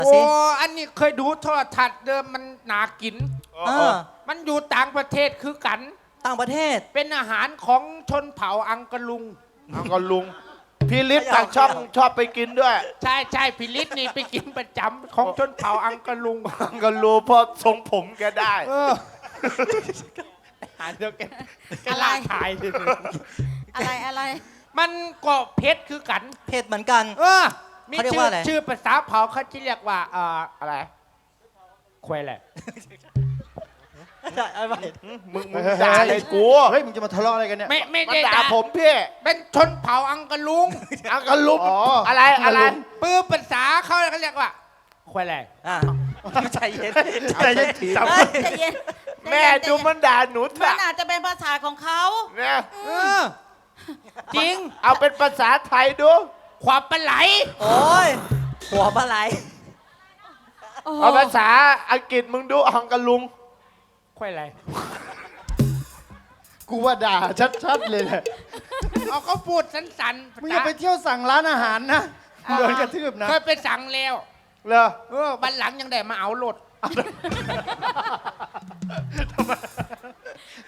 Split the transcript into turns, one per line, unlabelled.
โอ้
อันนี้เคยดูโทรทัศน์เดิมมันหนากิน
เออ
มันอยู่ต่างประเทศคือกัน
ต่างประเทศ
เป็นอาหารของชนเผ่าอังกะลุง
เอาก็ลุงพี่ฤทธิ์ทางช่องชอบไปกินด้วย
ใช่ใช่พิลิศนี่ไปกินประจำของชนเผ่าอังกะลุง
ก็รู้เพราะทรงผมแกได้
เออหาเดียวกันลาขายดิ
อะไร
มันก็เพชรคือกัน
เผ็ดเหมือนกัน
เออ มี
เขาเรียก
ชื่อ
ว่าอะไร
ชื่อภาษาเผ่าเขาจะเรียกว่าอะไรควายแหละ
ใช่เอาไป
มึงด่าอะไรกู
เฮ้ยมึงจะมาทะเลาะอะไรกันเนี่ย
ไม่
มา
ได้
ด่าผมพี่
เป็นชนเผ่าอังกะลุง
เอาก็ลุง
อ๋ออ
อะไรอะไร
ปื้มภาษาเขาเรียกว่าควายแหละ
อ่ะใจเย็น
ใจเย็น
เฮ้ย
ใจเย็น
แม่ดูมันด่าหนู
มั
เถอะ
นอาจจะเป็นภาษาของเขา
เนี่ย
เออจริง
เอาเป็นภาษาไทยดู
ความปลาไหล
โอ้ยหัวปลาไหล
โอ้โห
เอาภาษาอังกฤษมึงดูฮังกะลุง
ควายแหละ
กูว่าด่าชัดๆเลยแหละ
เอาเขาพูดสันๆ
มึงอย่าไปเที่ยวสั่งร้านอาหารนะโดนกระทืบนะ
เคยไปสั่งแล้ว
เหรอ
วันหลังยังได้มาเอารถ